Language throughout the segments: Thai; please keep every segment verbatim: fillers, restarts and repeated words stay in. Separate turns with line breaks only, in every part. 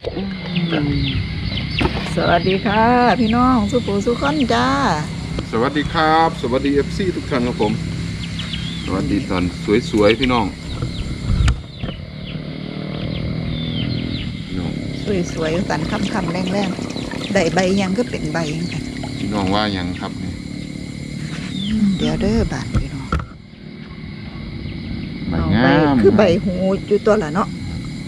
สวัสดีค่ะพี่น้องสุปูสุขอนจ้า
สวัสดีครับสวัสดีเอฟซีทุกท่านครับผมสวัสดีตอนสวยๆพี่น้องพี่น้อง
สวยๆสันคำคำแรงแรงได้ใบยังก็เป็นใบยังค่ะ
พี่น้องว่ายังครับนี่
เดี๋ยวเด้อบานพี่น้อง
ใบงาม
คือใบหูอยู่ตัวละเนาะ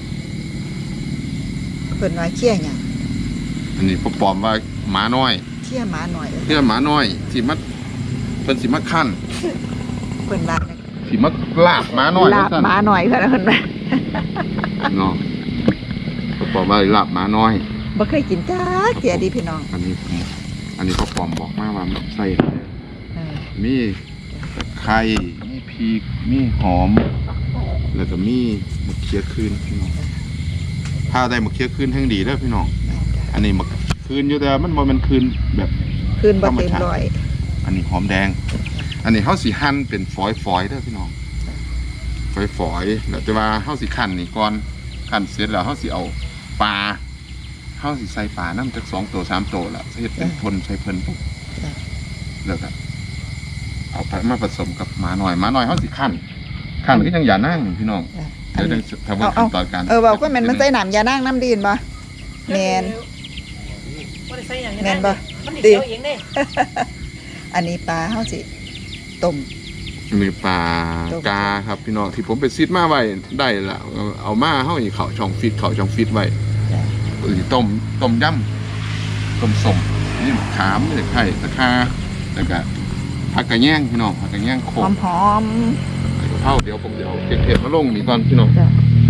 เพิ่นว่าเขี้ยหยัง
อันนี้พ่อปอมว่าหมาน้อย
เขี้ยหมาหน่อย
เขี้ยหมาน้อยสิมัดเพิ่นสิมัดขั้น
เพิ่นว่า
สิมัดลาบหมาน้อย
ลาบหมาหน่อยเพิ่นเพิ่นว่า
เนาะพ่อปอมว่าลาบหมาน้อย
บ่เคยกินจ้าเสียดีพี่น้อง
อันนี้อันนี้พ่อปอมบอกมาว่าใส่มีไข่มีพริกมีหอมแล้วก็มีมะเขือคืนพี่น้องถ้าได้มะเขือคืนแห่งดีเด้อพี่น้องอันนี้มะคืนอยู่แต่มันบ่แม่นคืนแบบ
คืนบ่เต็มร้อย
อันนี้หอมแดงอันนี้เฮาสิหั่นเป็นฝอยๆเด้อพี่น้องฝอยๆแล้วแต่ว่าเฮาสิคั่นนี่ก่อนคั่นเสร็จแล้วเฮาสิเอาปลาเฮาสิใส่ปลานำจักสองตัวสามตัวแล้วเฮ็ดเป็นพนใส่เพิ่นปุ๊บแล้วก็เอาไปมาผสมกับหมาหน่อยหมาหน่อยเฮาสิคั่นคั่นก็ยังอย่านั่งพี่น้องเดี๋ยวจะทำขั้นตอนการ
เออเว้าก็แม่นมันใส่น้ำยานั่งน้ำดีนบ่แม่นแม่นบ่ดีอันนี้ปลาเฮาสิต้ม
มีปลากาครับพี่น้องที่ผมไปซิดมาไว้ได้ละเอามาเฮาอีเขาช่องฟิตเขาช่องฟิตไว้ต้มต้มยำต้มส้มนี่มะขามนี่ไข่ตะคาแล้วก็ผักกระแยงพี่น้องผักกระแยงโขม
หอม
ๆเข้าเดี๋ยวผมเดี๋ยวเก็บๆมาลงนี่ก่อนพี่น้อง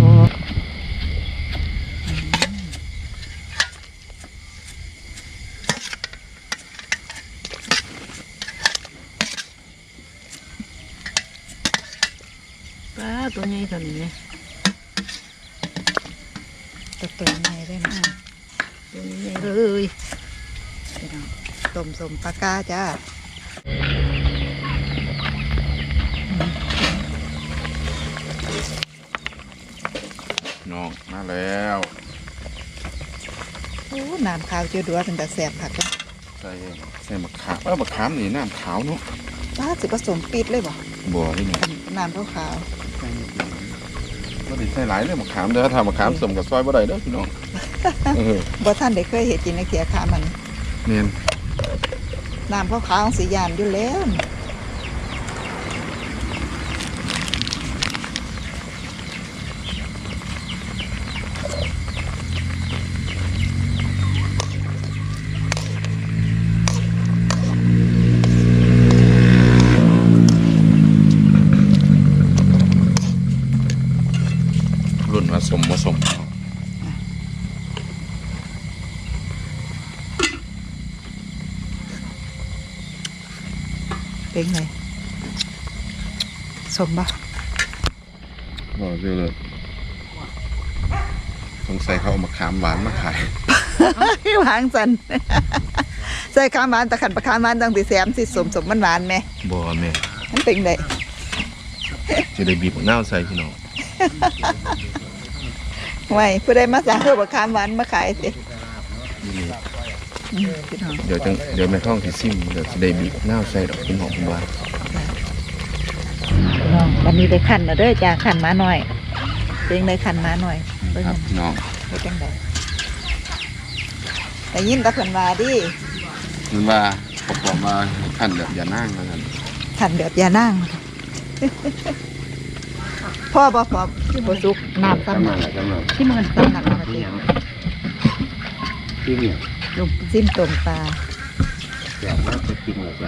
ปลาตัวใหญ่ตัวนี้เนี่ยตัวตัวใหญ่ได้มากตัวใหญ่เลยต้มสมปลากาจ้า
น้องมาแล้ว
โอ้น้ำขาวเจียวดัวเป็นแต่แสบผักเลย
ใส่ใส่มะขามเออมะขามนี่น้ำขาวเนาะ
ป้าสิผสมปิดเลยบ่
บ่นี่ไง
น้ำขาวขาว
บ่ได้ใส่หลายเลยมะขามเด้อถ้ามะขามสมกับซอยบ่ได้เด้อพี่น้อง
บ่ท่านได้เคยเห็นกินในเขียขามัน
เนียน
น้ำขาวขาวสียานอยู่แล้ว
รุ่นผสมผสม
เป็นไงสมบ่
บอกเยอะเลยสงสัยเขาเอามะขามหวานมาขาย
หวานจันใส่ข้ามหวานตะขันปลาข้ามหวานตั้งแต่แซมสิสมสมมันหวานไหม
บ่แม่
มันเป็นไง
จะได้บีบมะนาวใส่พี่น้อง
ไว้ผู้ใดมาสั่งเพื่อปลาข้ามหวานมาขายสิ
เดี๋ยวจังเดี๋ยวแม่ท่องที่ซิมเดี๋ยวจะได้บีบมะนาวใส่ดอกเป็นหอมหวาน
น้องวันนี้ได้ขันมาด้วยจ้าขันมาหน่อยเพียงได้ขันมาหน่อย
ครับน้อง
ได้จังไดแต่ยิ้มตะเพิ่นว่าดิ
มันว่าประกอบมาขันแบบอย่านั่งแล้วกัน
ขันแบบอย่านั่งพ่อบ่พอที่บ่สุกน้ำซ้ำที่มันซ้ำหนักมาที่
ที่เนี่ย
ลูกจิ้มต้มปลา
อยากว่าจะกินอะไร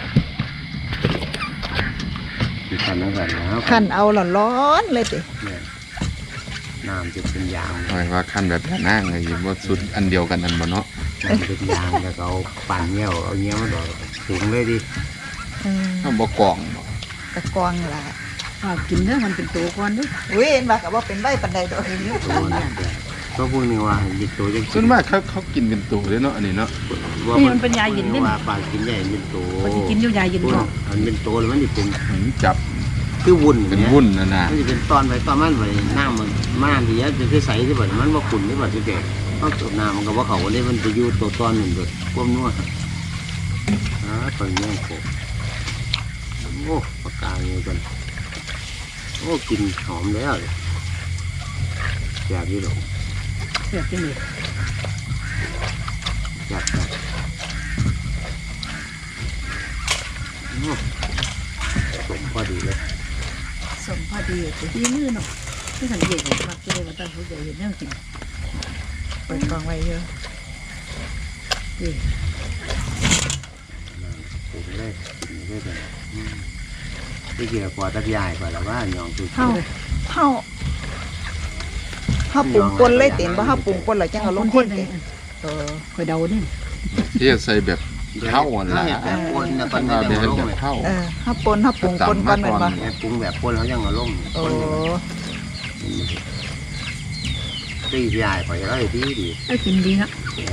คือขันน้ำกันแล้ว
ขันเอาร้อนๆเลยสิ
น้ำจะเป็นยาง
หมายว่าขันแบบอย่านั่งเลยว่าสุดอันเดียวกันนั่นบ่เนาะ
น้ำเป็นยางแล้วเอาปั่นเงี้ยวเอาเงี้ยวมาดอกถุงเลยดิ
ถ้าบ่กล่อง
ตะกองล่ะ
กินเด้อมันเป็นตัวก้อนด้วย
อุ้ยเห็นว่ากับว่าเป็นใบปันใดดอก
ตัวเนี่ยก็พวกนี้ว่าหยิบตัวจะ
ส่วนมากเขาเขากินเป็นตัวเลยเนาะอันนี้เนาะ
นี่มันเป็นยาหยินนี่
ว่าปลากินใหญ่เป็นตัว
มันจะกินอยู่ยาหยินเนาะ
มันเป็นตัวแล้วมันจะเป็น
จับ
คือวุ่น
เป็นวุ่นนะนะ
มันจะเป็นตอนไปตอนมันไปหน้ามันม่านที่จะคือใสที่แบบมันว่าขุ่นที่แบบจะแดกเขาตัวน้ำมันก็ว่าเขาได้มันไปอยู่ตัวตอนหนึ่งเดือดก้มนัวอ่าตอนนี้โขกโอ้ปากกาเงี้ยกันโอ้กินหอมแล้วอยากยี่หรอ
เสียบที่นี่
อยากแบบสมพอดีเลย
สมพอดีแต่ที่มือเนาะที่สังเกตเห็นมักจะได้มาตั้งเขาใจเห็นแนวกิน
เปิดกล่องไว้เยอะ
นี่
ปรุงเลยกินเลยกันที่เกี่ยวกับตะยายกว่าแล้วว่าหยองตุ่
เฮาเฮาเฮาปรุงป่นเลยเต็มบ่เฮาปรุงป่นแล้วจังเอาลงคนเต็มเออ
คอยเดาเนี่ย
ที่จะใส่แบบเท่าอ่อนละ
แบบปนนะ
มั
ปั
น
น
มา
จะ
เป็น
ลง
แบบ
เลย
เท่า
เออเฮาป่นเฮาปรุงป่นก่อนแม่นบ่
ปรุงแบบปนเขายังเอาลง
โอ้
ตียายกว่าจะได้ดีดี
ไอ้กินดีนะ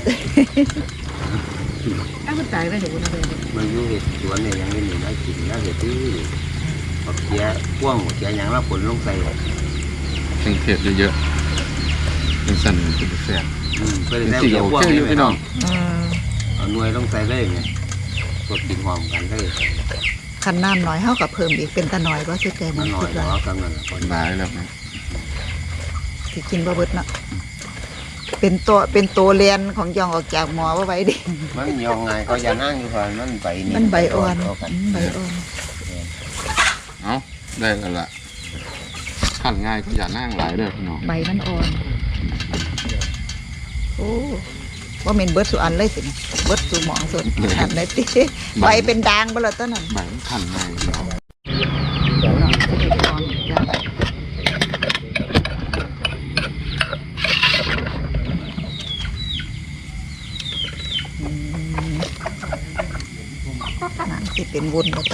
ไอ้คนตายไปเดี๋ยวคนเอาไปเลย
มันอยู่เห็ดสวนเนี่ยยังไม่มีได้กินแล้วเห็ดดีปักเกี้ยพ่วงหัวเกี้ยยังแล้วผลลงใส่
เครื่องเทศเยอะๆเป็นสั่นเป็นแซ่บ
อืมเพื่อ
เป็น
ได้
สิ่ง
เกี้ย
โอ
พ่วง
เคอยู่
นี่
พี่น้อง
อืม
เอาหน่วยลงใส่เลยไงกดกินหอมกันเลย
คันน้ำน้อยเฮาก็เพิ่มอีกเป็นตาน้อยบ่สุดใจ
มั
มัน น
หน่อ
คิ
ย
ด
หร
ว่า
อกำนันคน
หลายแล้วนะ
สิกินบ่เบิดเนาะเป็นตัวเป็นตัวเรียนของยองออกจากหมอว่าไว้ดิ
มันยองไงก็อย่านั่งอยู่ก่อนมันใบนี่
มันใบอ่อน
กัน
อืมใบอ่อน
เอาได้แล้วล่ะขั้นง่ายก็อย่านั่งหลายเลยพี่น้อง
ใบมันอ่อนโอ้ว่าเมนเบิดสุอันเลยสิเบิดสุหมองสุดอันไหนติใบเป็นด่างบ่ล่ะตอนนั้น
ใบมันขั้นง่ายพี่น้อง
เดี๋ยวเนาะจะได้พร้อมจ้ะอืมนั่นสิเป็นวุ้นบ่ตอน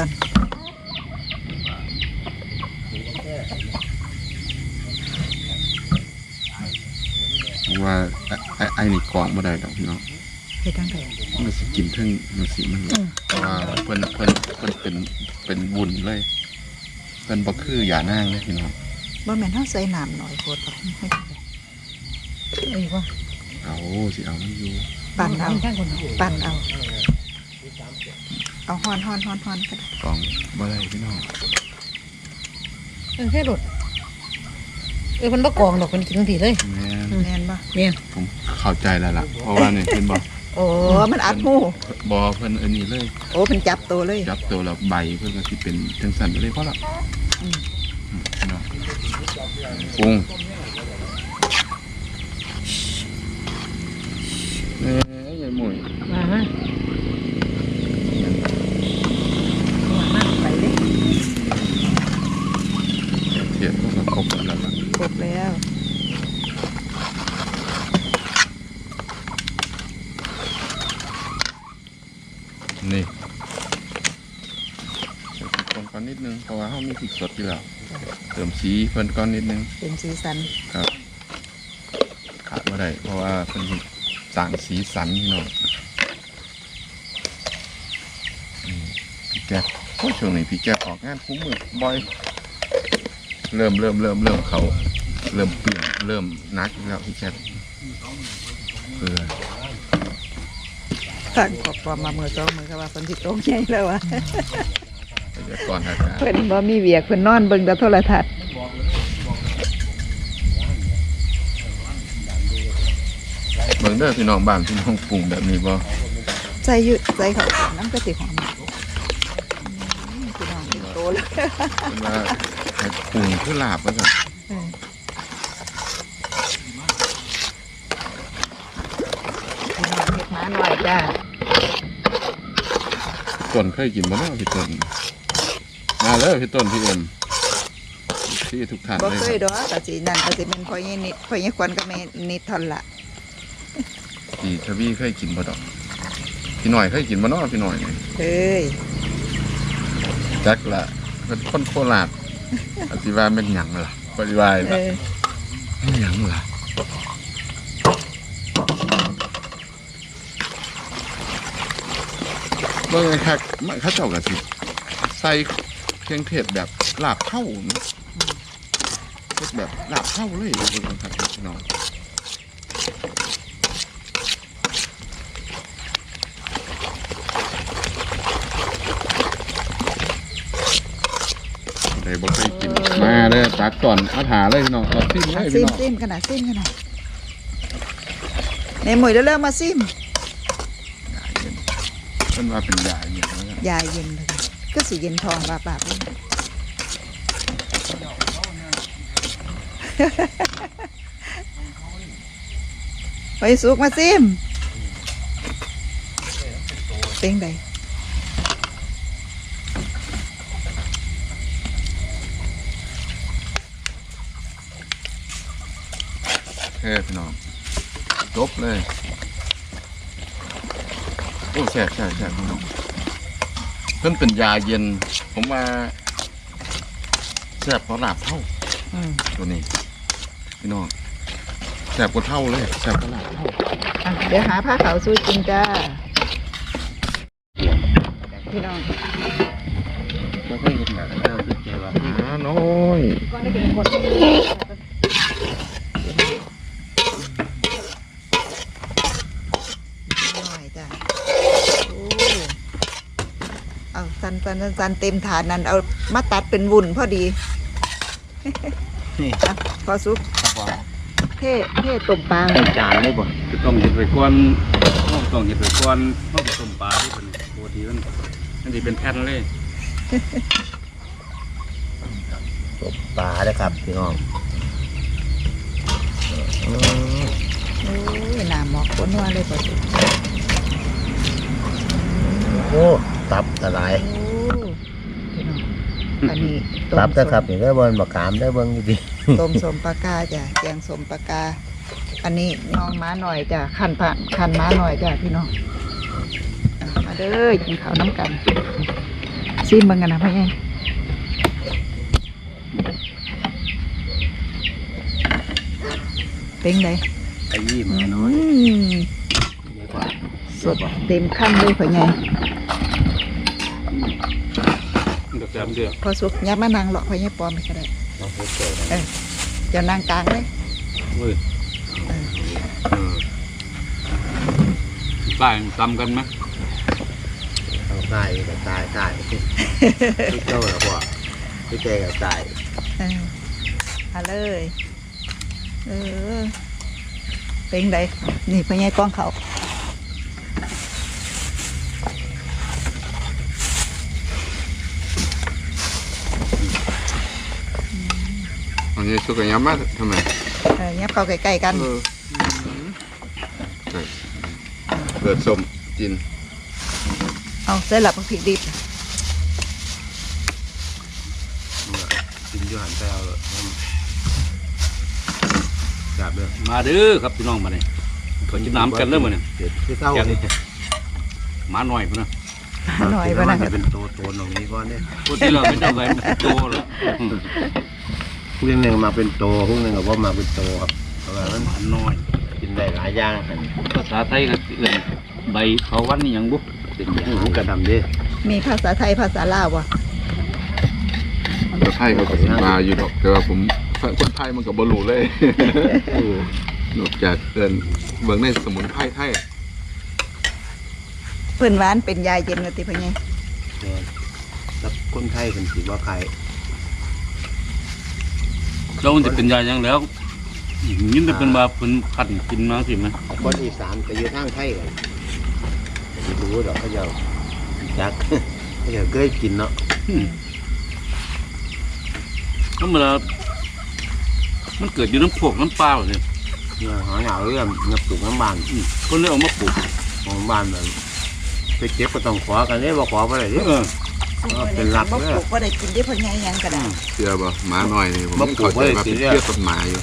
ว่าไอ้ไอ้นี่กรองบ่ได้ดอกพี่น้อง
เฮ็ดจังได๋
มันสิกินเทั้งมันสิมัน
อืม
เพราะว่าเพิ่นเพิ่นเพิ่นเป็นเป็นวุ้นเลยเพิ่นบ่คืออย่านั่งเลยพี่น้อง
บ่แม่นเฮาใส่น้ำน้อยโพดบ่ให้จังได๋เอ้ยว่า
เอาสิเอามันอยู่
ปั่นเอา
ข้างคน
ปั่นเอา เอาฮ้อนฮ้อนฮ้อนฮ้อนก็ได้
กรองบ่ได้พี่น้อง
เออแค่หลดเออมันบ่กองดอกมันกินทันทีเลย
แม่น
แม่นบ่
เนี่ย
ผมเข้าใจแล้วล่ะเพราะว่านี่เพิ่นบ่
โอ้มันอัดหู
บ่เพิ่นอันนี้เลย
โอ้เป็นจับตัวเลย
จับตัวแล้วใบเพิ่นก็สิเป็นจังซั่นไปเลยเพราะละ
อืม
อืมพี่น้องปรุงเอ้ยยายหมวย
มาฮะมามาไปเลย
เทียบก็ครบแล้วล่ะ
ครบแล้ว
นี่ใส่พริกป่นก่อนนิดนึงเพราะว่าเฮามีพริกสดอยู่แล้วเติมสีเพิ่นก่อนนิดนึง
เป็นสีสัน
ครับขาดบ่ได้เพราะว่าเพิ่นสิสร้างสีสันพี่น้องอืมพี่แจ๊คโอ้ยช่วงนี้พี่แจ๊คออกงานคุ้มมือบ่อย เริ่มเริ่มเริ่มเริ่มเขาเริ่มเปลี่ยนเริ่มนักแล้วพี่แจ๊คเออ
ตั้งขอบความมามือสองมือก็ว่าคนสิโตใหญ่แล้วอ่ะ
พยากรณ์อากาศ
เพิ่นบ่มีเวียกเพิ่นนอนเบิ่งแต่โทรทัศน์
เบิ่งเด้อพี่น้องบ้านพี่น้องปรุงแบบนี้บ่
ใส่อยู่ใส่ข้าวสารน้ำก็สิหอมอืมพี่น้องกินโตแล้ว
เป็นว่าให้ปรุงคือลาบว่าซั่น
เออพี่น้องเฮ็ดหมาหน่อยจ้า
ต้นเคยกินบ่เนาะพี่ต้นมาเลยพี่ต้นพี่เอ็มที่ทุกท่าน
บ่
เลย
เค
ค
ย
รับ
ดอกก็สินั่นก็สิเป็นพ่อใหญ่นิดพ่อใหญ่ควันก็แม่นิดเทอนนละ
พี่ทวีเคยกินบ่ดอกพี่หน่อยเคยกินบ่เนาะพี่หน่อยนี่
เฮ้ย
จักละเป็นคนโคราชอธิว่าเป็นหยังล่ะปฏิวาย
เอ
ล่ะ
อ
เป็นหยังล่ะเบิ่งไอ้คักมันเขาเจ้าก็สิใส่เครื่องเทศแบบลาบเท่าเนาะเฮ็ดแบบลาบเท่าเลยเบิ่งครับพี่น้องบ่เคยกินมาเด้อตักก่อนเอาถาเลยพี่น้องเอาซิมเลย
ซิ
พี่
ม
น้อง
ซิมขนาดซิมขนาดในหมวยเริ่มมาซิม
เพิ่นว่าเป็นยาเย็นแล้วกัน
ยาเย็นเลยก็สีเย็นทองบาบาบเลยไปสุกมาซิมเป็นไง
แค่พี่น้องจบเลยโอ้แซ่บแซ่บแซ่บพี่น้องเพิ่นเป็นยาเย็นผมว่าแซ่บเพราะลาบเท่า
อืม
ตัวนี้พี่น้องแซ่บกว่าเท่าเลยแซ่บกว่าลาบเท่า
อ่ะเดี๋ยวหาผ้าขาวสู้กินจ้าพี่น้อง
บ่เคยเห็นแบบนั้นคิดใจว่า
หาน้อย
ก็ได้เป็นคนหน่อยจ้ะโอ้เอาสันสันสันสันเต็มถาดนั้นเอามาตัดเป็นวุ่นพอดี
นี่
อ่ะพอซุป
ครับผม
เท่เท่ตุ่มปลา
ใส่จานเลยบ่
คือต้องเห็ดไปก่อนต้องต้องเห็ดไปก่อนต้องไปต้มปลาที่เป็นปกติมันมันจะเป็นแผ่นเลย
ตบปลาเด้อครับพี่น้องอืม
โอ้ยหนาหมอกคนนัวเลยพอซุป
โอ้ตับตะไลาย
โอ้พี่น้องอันนี้ต้ม
ตับเด้อครับ
ส
นี่เด้อเบิ่นบักขามเด้อเบิ่งดี
มต้มสมปลากาจ้ะแกงสมปลากา อันนี้น้องม้าหน่อยจ้ะขันผ่านขันม้าหน่อยจ้ะพี่น้องอ่ะมาเด้อกินข้าวน้ำกันซิมเบังกันนะพ่อใหญ่เป็นไง
ๆไอ้ยี่หมาน้อย
อืม
ดีกว่า
สดเต็มขั้นเลยพ่อใหญ่
มันก็แซ่บเดือด
พอสุกยับมานางหลอกพ่อใหญ่ปลอมไปก็ได้
ต้องเฮ็ดเจอ
เออเจะนางกลางเลย
เว้ย
เออ
เออใต้ตำกันไหม
ต้องตายก็ตายตายทุกเจ้าแล้วบ่ทุกใจก็ตาย
เออเอาเลยเออเป็นไงนี่พ่อใหญ่กล้องเขา
อันนี้สุกยำมาทำไม
เออยับเข้าใกล้ๆกัน
เออใช่เกิดสมกิน
เอาใส่หลับผักผิดดิบ
กินอยู่หันไปเอาเลยจับเลย
มาเด้อครับพี่น้องมาเนี่ยขอกินน้ำกันเริ่มมาเนี่ย
เด็ดคือเต้านี่
หมาหน่อยพุ่นนะ
หน่อยบ้านะ
จะเป็นโตโตตรงนี้ก่อนเนี่ย
พวกที่เราเป็นเจ้าไงโตเลย
พวกนึงมาเป็นโตพวกนึงก็ว่ามาเป็นโตครับเพราะว่ามัน
หมาน้อย
กินได้หลายอย่างกัน
ภาษาไทยก็เอื่นใบเขาวันนี่ยังบุ๊เป็นอย่าง
หูกระดำดิ
มีภาษาไทยภาษาลาววะ
แต่ไทยเขาก็สิมาอยู่ดอกแต่ว่าผมคนไทยมันก็บ่รู้เลย นอกจากเอิ้นเบิ่งในสมุนไพรไทย
เพื่อนหวานเป็นยาเย็นกันติพ่อใหญ่
แล้วคนไทยเป็นสีว่าใคร
เรามันจะเป็นยาอย่างแล้วยินแต่เป็นบาเป็นขันกินมาสิมั้ย
คนอีสานไปอยู่ทางไทยกันไม่รู้ดอกเขาจะจัก เขาจะเคยกินเนาะ
ธรรมดามันเกิดอยู่น้ำพวกน้ำปลาเลย
เนี่ยหาเหงาเรื่องเงับปลูกน้ำบาน
คนเลยเอามาปลูก
ของบ้านแบบไปเก็บก็ต้องขอกันเนี่ยว่าขอไปเลยเนี่ย
เออ
เป็นหลัก
บ่
เลย
ปลูกบ่ได้กินได้พ่อใหญ่หยังก็ได้
เชื่อบ่หมาน้อยนี่ผม
บ่
ยัง
ปลู
เข้าก ใจ
ไว้
ว่า
สิ
เป็น
เนี่ย
เพื่อต้นไม้อยู่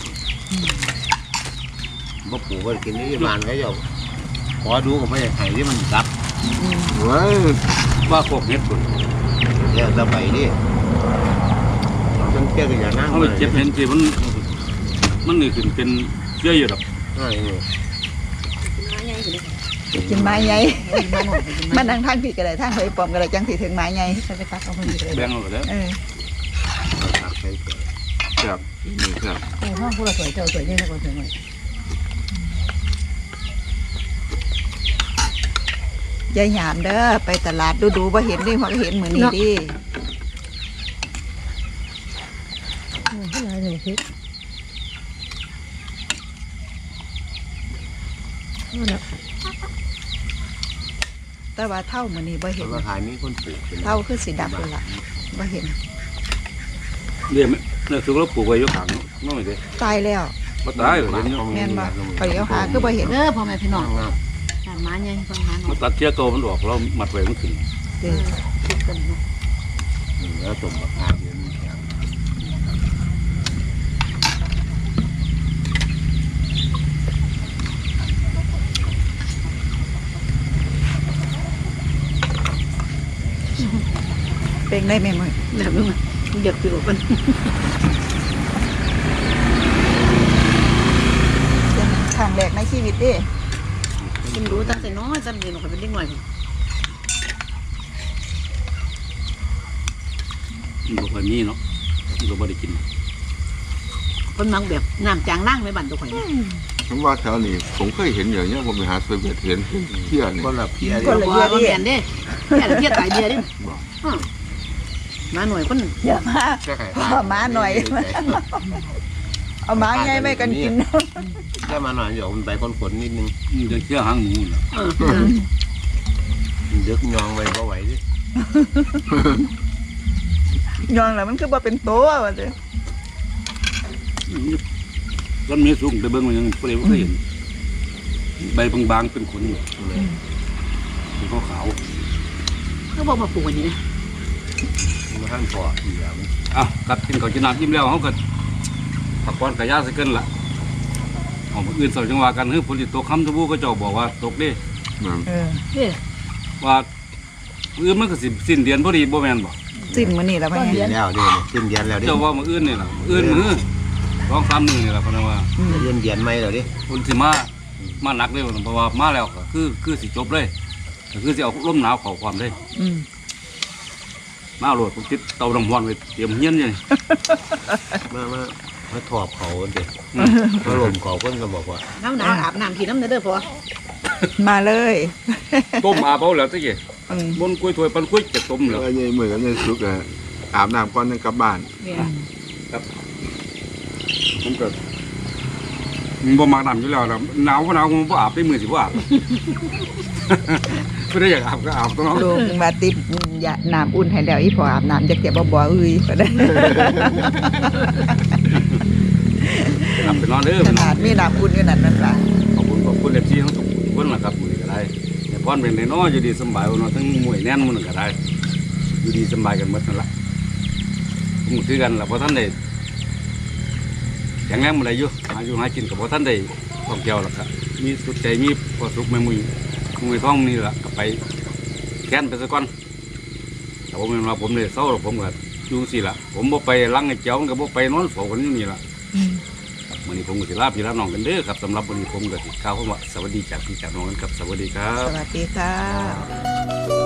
บ่ปลูกก็กินที่บ้านเขาจะขอดูก็ไม่ได้ให้ที่มันกลับ
เว้ย
ว่าพวกเห็ดพุ่น
เนี่ยสบายดิจนเกี้ยก็อย่านั่ง
เขาไปเจ็บเห็นสิมันมันนี่ขึ้นเป็นเชื่ออยู่ดอก
ใช่เนี่ย
กินไม้ใหญ่มันนั่งทางผิดก็ได้ทางเฮยปลอมก็ได้จังสิถึงไม้ใหญ่ไปตักเอาเพิ่นเลย
แบ่งเอาไปแล้ว
เออ
ตักไปเถอะ
แซ่บนี่แซ่บ
โอ้ห้องผู้ละสวยเจ้าสวยยิ่งกว่าสวยหน่อย
ยายหยามเด้อไปตลาดดูๆบ่เห็นดิพอเห็นมื้อนี้ดิ
หนึ่งพริกเอาละ
แต่ว่าเท่ามื้อนี้บ่
เพ
เห็น
ราะว่าขายมีคนปลูกเป็น
เท่าคือสิดับเลยล่ะบ่เห็น
เรียกเรียกคือเราปลูกไว้อยกขังน้องไม่ได้
ตายแล้ว
บ่ตายเห็นอยู่
แม่นบ่ข่อยเอาหาคือบ่เห็น
เด้อพ่อแม่พี่น้อง
งาม
ทานหมาใหญ่ฟังหมาหน่
มั
อน ย
ตัดเชื้อตัวมันออกเรามัดไว้มันขึ้น
เด้อ
คิดกันเนาะ
ๆแล้วสมราคาเดือนแข็ง
เป็นได้แม่มื้อ
แบบนี้มันเดือดไปหมดมัน
เป็นครั้งแรกในชีวิตเด้
กินรู้ตั้งแต่น้อยตั้งแต่หนูเคยเป็นเด็กหน่อย
มันบ่ค่อยมีเนาะมันก็บ่ได้กิน
คนมังแบบน้ำจางนั่งไม่บั่นตัวข่อยนะ
ผมว่าแถวนี้ผมเคยเห็นอย่างเงี้ยผมไปหาเซเว่นเห็นเที่ยนี่
คนละเพี้ย
คน
เดียว
ละ
ว่า
เยีย
คน
ดิ
เดียนเด้แค่เพี้ยตายเดียดิมาหน่วยคน
อย่ามา
แค่ไข่
พ่อม้าหน่อย เอาม้าใหญ่ไม่กันกิน
แค่มาหน่อยเดี๋ยวมันไปคนขนนิดนึง
มันจะเชื้อหางหมูน่ะ
เออ
มันเดือกยองไว้บ่ไหวดิ
ยองแล้วมันคือบ่เป็นตัวว่าเด้อ
ต้นมีสูงไปเบิ่งมันยังบ่ได้บ่เคยเห็นใบบางๆเป็นขนอยู่เป็นขาว
เขาบอกมาปลูกอันนี้นะ
มันหั่นพออีกแล้วมัน
ๆอ้าวกัดกินข้าวกินน้ำอิ่มแล้วเฮาก็ผักก้อนกะยาซะเกินล่ะเอามื้ออื่นเสาร์จังว่ากันเฮ้ยฝนสิตกค่ำทะบูก็เจ้าบอกว่าตกเด้
เออ
เด้อ
ว่ามื้ออื่นมันก็สิสิ้นเดือนพอดีบ่แม่นบ่
สิ้นมื้อนี้แล้วบ่
สิ้
เห็
น
น
แล้วเด้เนี่ยสิ้นเดือนแล้วเด้
เจ้าว่ามื้ออื่นนี่ล่ะมื้ออื่นมื้อสองสามมื้อนี่ล่ะเพราะนั้นว่า
อืม
เดือนเดือนไม่แล้วเด้
คนสิมามาหนักเลยเพราะว่ามาแล้วก็คือคือสิจบเลยก็คือสิเอาลมหนาวเข้าความเลย
อืม
มาโหลดผมติดเตาดำฮวนไว้เตรียมเฮียนอยู่นี่
มามามาถอบเขาเด้มาลมเขาเพิ่นก็บอกว่า
น้ำหนาวอาบน้ำกินน้ำเด้อพอ
มาเลย
ต้มอาบเอาแล้วตะกี้
อืม
บนกล้วยถ้วยปันกล้วยจะต้ม
แล้
แล้ว ว
ไอ้เหมือนกันในสุกอะอาบน้ำก่อนนึงกลับบ้าน
เนี่ย
ผมก็มันบ่มักน้ำอยู่แล้วล่ะหนาวก็หนาวผมบ่อาบได้มื้อสิบ่อาบ ไม่ได้อยากอาบก็อาบตัวเนาะ
ลูกมาติดอย่าน้ำอุ่นให้แล้วอีพออาบน้ำจักจะบ่บ่เอ้ยก็ได้
อาบไปนอนเด้อ
ขนาดมีน้ำอุ่นอยู่นั่นนั่นล่ะ
ขอบคุณขอบคุณเอฟซีทั้งทุกคนล่ะครับมื้อนี้ก็ได้แต่พรเป็นได้เนาะอยู่ดีสำบายบ่เนาะทั้งมวยแน่นมื้อนั้นก็ได้อยู่ดีสำบายกันหมดนั่นล่ะผมก็คือกันล่ะเพราะท่านได้อย่างแรงมื้อใดอยู่หาอยู่หากินก็บ่ทันได้ท่องเที่ยวล่ะครับมีสุดใจมีความสุขแม่มุยมุยท้องนี่ล่ะก็ไปแค้นไปซะก่อนแต่ผมเห็นว่าผมเนี่ยเศร้าหรอกผมก็อยู่สิล่ะผมบ่ไปลังไอ้เจ้ามันก็บ่ไปนอนเฝ้ากันอยู่นี่ล่ะ
อืม
วันนี้ผมก็สิลาพี่ลาน้องกันเด้อครับสำหรับวันนี้ผมก็สิกล่าวคำว่าสวัสดีจากพี่จากน้องกันครับสวัสดีครับ
สวัสดีค่ะ